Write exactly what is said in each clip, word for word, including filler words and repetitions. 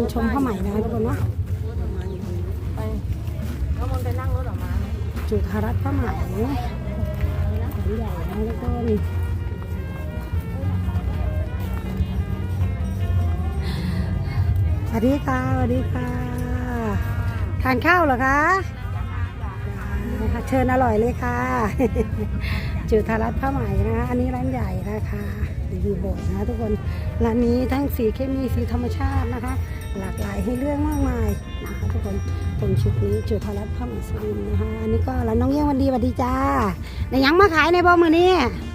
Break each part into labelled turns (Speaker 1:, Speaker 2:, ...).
Speaker 1: ชมผ้าไหมนะคะทุกคนเนาะ
Speaker 2: ไปแล้วมันไปนั่งรถออกมา
Speaker 1: จุฬารัตน์ผ้าไหมแขนใหญ่นะทุกคนสวัสดีค่ะสวัสดีค่ะทานข้าวเหรอคะเชิญอร่อยเลยค่ะจุฬารัตน์ผ้าไหมนะคะอันนี้ร้านใหญ่นะคะอยู่โบสถ์นะทุกคนร้านนี้ทั้งสีเคมีสีธรรมชาตินะคะหลากหลายให้เรื่องมากมายนะคะทุกคนตรงชุดนี้จุฬารัตน์ผ้าไหมสุรินทร์นะคะอันนี้ก็ร้านน้องเยี่ยงวันดีสวัสดีจ้าในยังมาขายในบ่มือนี้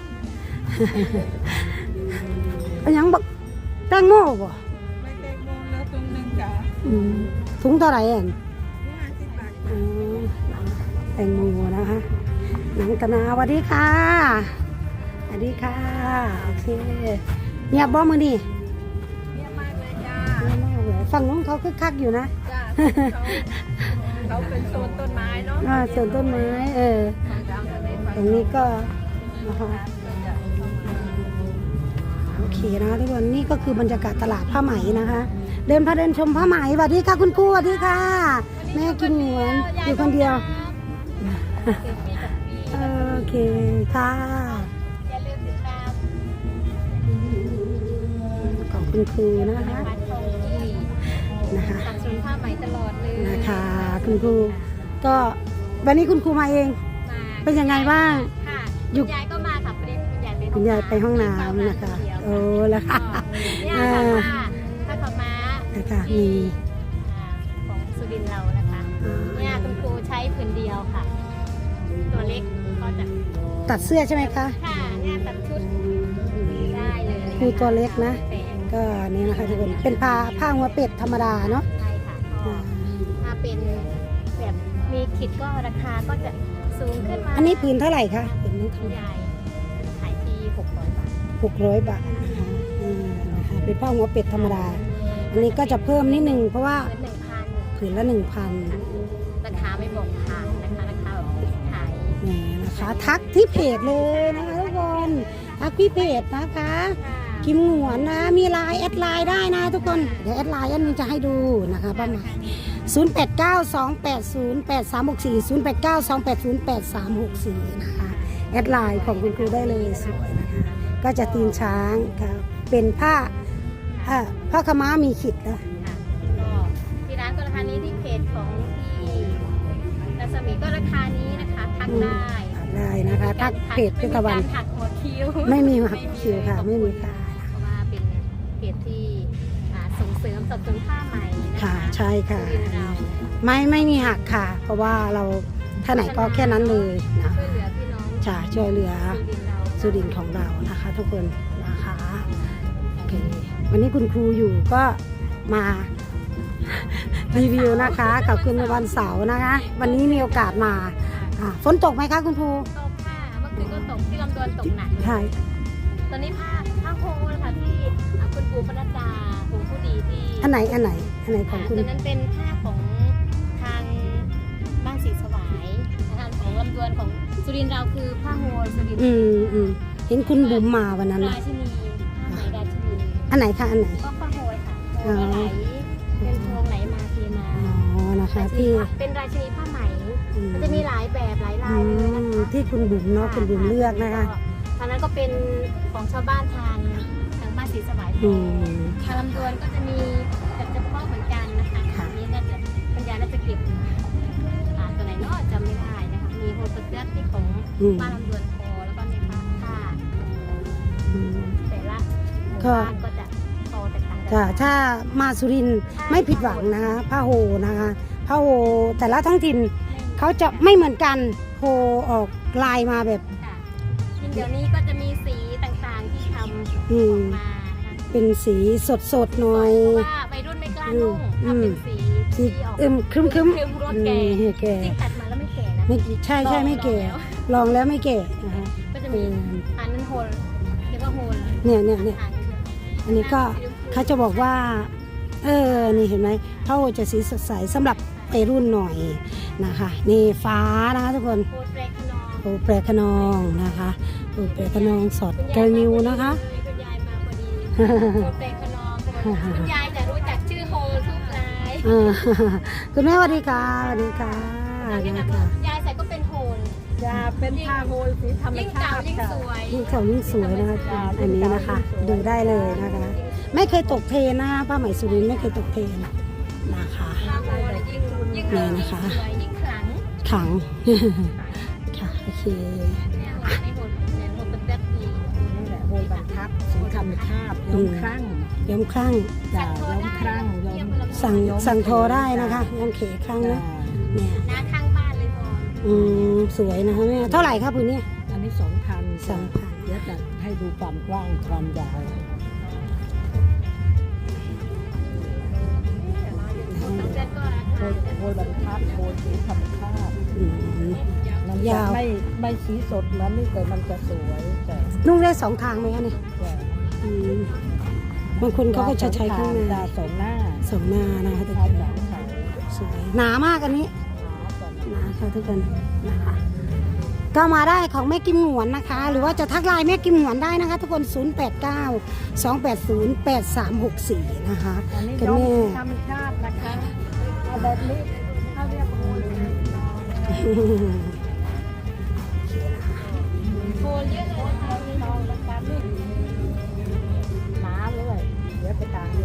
Speaker 1: เป็นยังบอกแตงโมบ่
Speaker 2: ไม่แตงโมแล้วตรงนึงจ้ะ
Speaker 1: ถุงเท่าไหร่เองแตงโมนะคะหนังกะนาสวัสดีค่ะสวัสดีค่ะโอเคเงียบบ่มือนี่
Speaker 2: เงียบมากเลยจ้า
Speaker 1: เงียบมากเลยฝั่งน้องเขาคึกคักอยู่นะ
Speaker 2: จ้าเขาเป็นโซนต้นไม้เนาะ
Speaker 1: อ่าโซนต้นไม้เออตรงนี้ก็นะคะโอเคนะทุกคนนี่ก็คือบรรยากาศตลาดผ้าไหมนะคะเดินพาเดินชมผ้าไหมสวัสดีค่ะคุณครูสวัสดีค่ะแม่กินเหมือนอยู่คนเดียวโอเคค่ะ
Speaker 2: อย่าลืมติดตาม
Speaker 1: ของคุณครูนะคะนะคะ
Speaker 2: สั่งซื้อผ้าไหมตลอดเลย
Speaker 1: นะคะคุณครูก็วันนี้คุณครูมาเองเป็นยังไงบ้าง
Speaker 2: ค่ะคุณยายก็มาค่ะประเด็นคุณยายไป
Speaker 1: คุณยายไปห้องน้ำนะคะโอ้แล้วค่ะ
Speaker 2: เนี่ยค่ะผ้าขาวม้า
Speaker 1: นะคะมี
Speaker 2: ของสุรินทร์เรานะคะเนี่ยคุณครูใช้ผืนเดียวค่ะตัวเล็กก็จะ
Speaker 1: ตัดเสื้อใช่ไหมคะ
Speaker 2: ค่ะเนี่ยตัดชุดได้เลย
Speaker 1: ครูตัวเล็กนะก็นี่นะคะทุกคนเป็นผ้าผ้าหัวเป็ดธรรมดาเนาะ
Speaker 2: ใช่ค่ะถ้าเป็นแบบมีขิดก็ราคาก็จะสูงขึ้นมา
Speaker 1: อันนี้ผืนเท่าไหร่คะผืนนี้
Speaker 2: คุณยายขายที่หกร้อยบาท
Speaker 1: หกร้อยบาทนะคะนะคะเป็นผ้าหัวเป็ดธรรมดาอันนี้ก็จะเพิ่มนิดนึงเพราะว่าผืนละหนึ่งพัน
Speaker 2: ราคาไม่บอกผ่านนะคะราคาแบบขาย
Speaker 1: นี่นะคะทักที่เพจเลยนะคะทุกคนทักที่เพจนะคะกิมหงวนนะมีไลน์แอดไลน์ได้นะทุกคนเดี๋ยวแอดไลน์อันนี้จะให้ดูนะคะประมาณศูนย์ แปด เก้า สอง แปด ศูนย์ แปด สาม หก สี่ ศูนย์ แปด เก้า สอง แปด ศูนย์ แปด สาม หก สี่นะคะแอดไลน์ของคุณครูได้เลยสวยนะคะก็จะตีนช้างค่ะเป็นผ้าผ้าขม้ามีขิดนะ
Speaker 2: ที่ร้านก็ราคานี้ที่เพจของที่รัศมีก็ราคานี้นะคะทักได้
Speaker 1: ได้นะคะทักเพจพิตวัน
Speaker 2: หักหัวคิว
Speaker 1: ไม่มีหักคิวค่ะไม่มีค่ะ
Speaker 2: เพราะว่าเป็นเพจที่ส่งเสริมสับสนผ้าไหม
Speaker 1: ค่ะใช่ค่ะไม่ไม่มีหักค่ะเพราะว่าเราท่าไหนก็แค่นั้นเลยนะ
Speaker 2: ช่วยเหลือพี่น้อง
Speaker 1: ค่ะช่วยเหลือสุรินทร์ของเรานะคะทุกคนนะคะโอเควันนี้คุณครูอยู่ก็มารีวิวนะคะกับคืนวันเสาร์นะคะวันนี้มีโอกาสมาฝนตกไหมคะคุณครู
Speaker 2: ตกค่ะเมื่อคืนก็ตกที่ลำดวนตกหนัก
Speaker 1: ใช่
Speaker 2: ตอนนี้ผ้าผ้าโฮลค่ะที่คุณครูปนัดดาครูผู้ดีที่
Speaker 1: อันไหนอันไหนอันไหนของคุณ
Speaker 2: ตอนนั้นเป็นผ้าของทางบ้านศรีสวายนะคะของลำดวนของสุรินทร์เราคือผ้าโฮลสุรินทร์
Speaker 1: อืมอืมเห็นคุณบุ๋มมาวันนั้น
Speaker 2: ราชินีผ้าไหมราชินี
Speaker 1: อันไหนคะอันไหน
Speaker 2: ก็ผ้าโฮลค่ะโฮลไหลเป็นทองไหลมาเทมา
Speaker 1: อ๋อนะคะที่
Speaker 2: เป็นราชินีผ้าไหมมันจะมีหลายแบบหลายลายเลยนะคะ
Speaker 1: ที่คุณบุ๋มเนาะคุณบุ๋มเลือกนะคะ
Speaker 2: ทางนั้นก็เป็นของชาวบ้านทางทางบ้านศรีสวายทางลำดวนก็จะมีแบบเฉพาะเหมือนกันนะคะนี้น่าจะปัญญาน่าจะเก็บตัวไหนเนาะจำไม่ได้นะคะมีโฮลสเตอร์ที่ของบ้านลำดวนพอแล้วก็มีผ้าผ้าแต่ละหมู่บ้านก็จะพอแตกต่างกัน
Speaker 1: ถ้ามาสุรินทร์ไม่ผิดหวังนะคะผ้าโฮนะคะผ้าโฮแต่ละท้องถิ่นเขาจะไม่เหมือนกันโฮออกลายมาแบบ
Speaker 2: เดี๋ยวนี้ก็จะมีสีต่างๆที่ทำออกมา
Speaker 1: เป็นสีสดๆหน่อย
Speaker 2: เพราะว่าวัยรุ่นไม่กล้านุ่งทำเป็นสี
Speaker 1: สีอึมครึ้มครึ้ม
Speaker 2: รถแก่จริงตัดมาแล้วไม่แก่นะ
Speaker 1: ไม่ใช่ใช่ไม่แก่ลองแล้วไม่แก่นะคะ
Speaker 2: ก็จะมีอันนั้นโฮลเรียกว่าโฮล
Speaker 1: เนี่ยเนี่ยเนี่ยอันนี้ก็เขาจะบอกว่าเออนี่เห็นไหมผ้าโฮจะสีสดใสสำหรับวัยรุ่นหน่อยนะคะนี่ฟ้านะคะทุกคนโฮแปรขนองนะคะโฮแปรขนองสอดเกลนิวนะคะ
Speaker 2: คุณยายมาพอดีโฮแปรขนองคุณยายจะรู้จักชื่อโฮทุก
Speaker 1: เออ คุณแม่สวัสดีค่ะสวัสดีค่ะ
Speaker 2: อันนี้
Speaker 1: นะ
Speaker 2: นะคะ
Speaker 1: คะ
Speaker 2: ยายใส่ก็เป็นโฮล
Speaker 3: จะเป็นผ้าโฮลสีธรรม
Speaker 2: ยิ่ง
Speaker 3: ชา
Speaker 2: เก่า
Speaker 3: ติ
Speaker 2: ยิ่ง
Speaker 3: ค่ะ
Speaker 2: สวย
Speaker 1: ยิ่งเก่ายิ่งสวยนะคะอันนี้นะคะ ดูได้เลยนะคะ ไม่เคยตกเทรนนะคะผ้าไหมสุรินทร์ไม่เคยตกเทรนนะคะ
Speaker 2: ผ้าโฮลยิ่งยิ่ง
Speaker 1: นี่นะคะ
Speaker 2: สวยยิ่งขลัง
Speaker 1: ขัง ค่ะโอเค
Speaker 2: เนี่ยโฮลในโฮลเนี่ยโฮลเป็นแบบนี้
Speaker 3: นี่แหละโฮลบรรทัดสีธรรมชาติย้อมครั่ง
Speaker 1: ย้อมครั่ง
Speaker 3: จะย้อมครั่งย้อม
Speaker 1: สั่งสั่งโทรได้นะคะย้อมเขครั่ง
Speaker 3: จะ
Speaker 1: นะเนี่ย
Speaker 2: หน้าข้างบ้านเลยพอ
Speaker 1: อืมสวยนะคะแม่เท่าไหร่ครับพื้นนี้
Speaker 3: อันนี้สองพัน
Speaker 1: สองพัน
Speaker 3: เดี๋ยวจะให้ดูความกว้างความยาว
Speaker 2: ต้องเจ็ดก็รา
Speaker 3: โฮ
Speaker 2: คา
Speaker 3: ลโฮลบรรทัดโฮลสีธรรมชาติ
Speaker 1: อืม
Speaker 3: มันจะ
Speaker 1: ยาว
Speaker 3: ไม่ไม่สีสดเหมือนนี่แต่มันจะสวยแต่
Speaker 1: นุ่งได้สองทางไหมคะเนี่ย
Speaker 3: แต่
Speaker 1: อืมบางคนเขาก็จะใช้ข้างใน
Speaker 3: ตาสองหน้า
Speaker 1: สองหน้านะคะทุก
Speaker 3: ทา
Speaker 1: คน
Speaker 3: สองขา
Speaker 1: สวยหนามากอันนี้
Speaker 3: ขาก่อน
Speaker 1: หนาค่ะทุกคนนะคะ ก็มาได้ของแม่กิมหงวนนะคะ หรือว่าจะทักไลน์แม่กิมหงวนได้นะคะ ทุกคน ศูนย์ แปด เก้า สอง แปด ศูนย์ แปด สาม หก สี่ นะคะ
Speaker 3: อันนี้
Speaker 1: กัน
Speaker 3: ย้อม
Speaker 1: แม่
Speaker 3: ธรรมชาตินะคะเอาแบบนี้เขาเรียกโฮล
Speaker 2: โฮลเยอะเลยนะคะ
Speaker 3: ลองแล้วกันนี่หนาเลยเดี๋ยวไปตามดู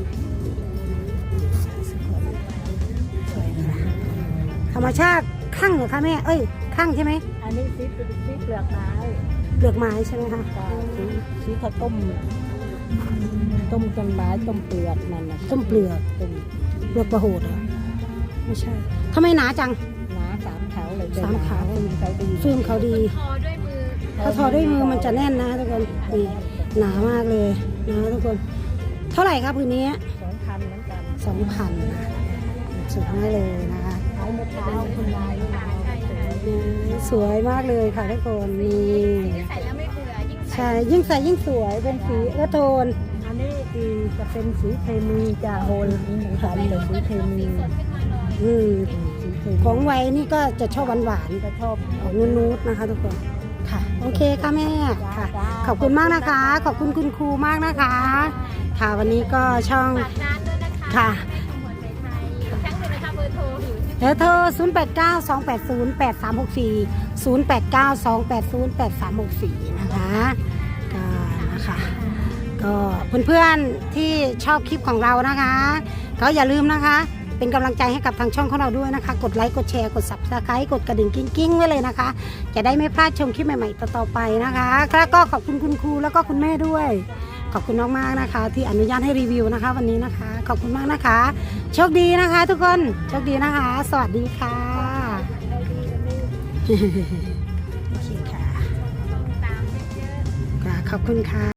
Speaker 1: ธรรมชาติข้างเหรอคะแม่ เอ้ยข้างใช่ไหม
Speaker 3: อันนี้ซีซีเปลือกไม้
Speaker 1: เปลือกไม้ใช่ไหมคะ
Speaker 3: กับซีซีข้าวต้ม ต้มต้นไม้ต้มเปลือกมันนะ
Speaker 1: ต้มเปลือก
Speaker 3: ต้ม
Speaker 1: เปลือกประโหดเหรอไม่ใช่ทำไมหนาจัง
Speaker 3: หนาสามแถวเลย
Speaker 1: สามแถว
Speaker 3: เขาดี
Speaker 1: ฟิล์มเขาดี
Speaker 2: ทอด้วยมือ
Speaker 1: ถ้าทอด้วยมือมันจะแน่นนะทุกคนนี่หนามากเลยนะทุกคน เท่าไหร่ครับพื้นนี้
Speaker 3: สองพันเหมือนกัน
Speaker 1: สองพันสุดมากเลยนะคะ
Speaker 3: เอาเมื่อเช้าคุณนายนี่มา
Speaker 2: ใช่ค่ะ
Speaker 1: อืมสวยมากเลยค่ะทุกคนนี่
Speaker 2: ที่ใส่แล้วไม่เบื่อยิ่งใส่
Speaker 1: ใช่ยิ่งใส่ยิ่งสวยเป็นสีเออโทน
Speaker 3: อันนี้อีจะเป็นสีเคมีจะโฮลเหมือนกัน
Speaker 2: ไม่
Speaker 3: เล
Speaker 2: รู้
Speaker 3: ยสี
Speaker 2: ก็
Speaker 3: เค
Speaker 2: จะสี
Speaker 3: มี
Speaker 2: สดขึ้นมาหน่อย
Speaker 1: อืม
Speaker 3: สีเคมี
Speaker 1: ของไว้นี่ก็จะชอบหวาน
Speaker 3: จะชอบ
Speaker 1: ๆออกนูดๆนะคะ ทุกคนค่ะ โอเคค่ะแม่ค่ะ ขอบคุณมากนะคะ ขอบคุณคุณครูมากนะคะ ค่ะวันนี้ก็ช่อง
Speaker 2: ฝากร้านด้วยนะคะ
Speaker 1: ค่ะ
Speaker 2: แม่ขมวดไทยไทยทั้งหนึ่งนะคะเบอร์โทรอยู่ที่
Speaker 1: เดี๋ยวโทร ศูนย์ แปด เก้า สอง แปด ศูนย์ แปด สาม หก สี่ ศูนย์ แปด เก้า สอง แปด ศูนย์ แปด สาม หก สี่ นะคะก็นะคะก็เพื่อนๆที่ชอบคลิปของเรานะคะ ก็อย่าลืมนะคะ เป็นกำลังใจให้กับทางช่องของเราด้วยนะคะ กดไลค์กดแชร์กด ซับสไครบ์ กดกระดิ่งกิ้งๆไว้เลยนะคะ จะได้ไม่พลาดชมคลิปใหม่ๆต่อๆไปนะคะแล้วก็ขอบคุณคุณครูแล้วก็คุณแม่ด้วย ขอบคุณมากๆนะคะ ที่อนุญาตให้รีวิวนะคะ วันนี้นะคะ ขอบคุณมากนะคะ โชคดีนะคะ ทุกคนโชคดีนะคะ สวัสดีค่ะ โอเคค่ะ
Speaker 2: ตามเยอะๆ
Speaker 1: ค่ะขอบคุณค่ะ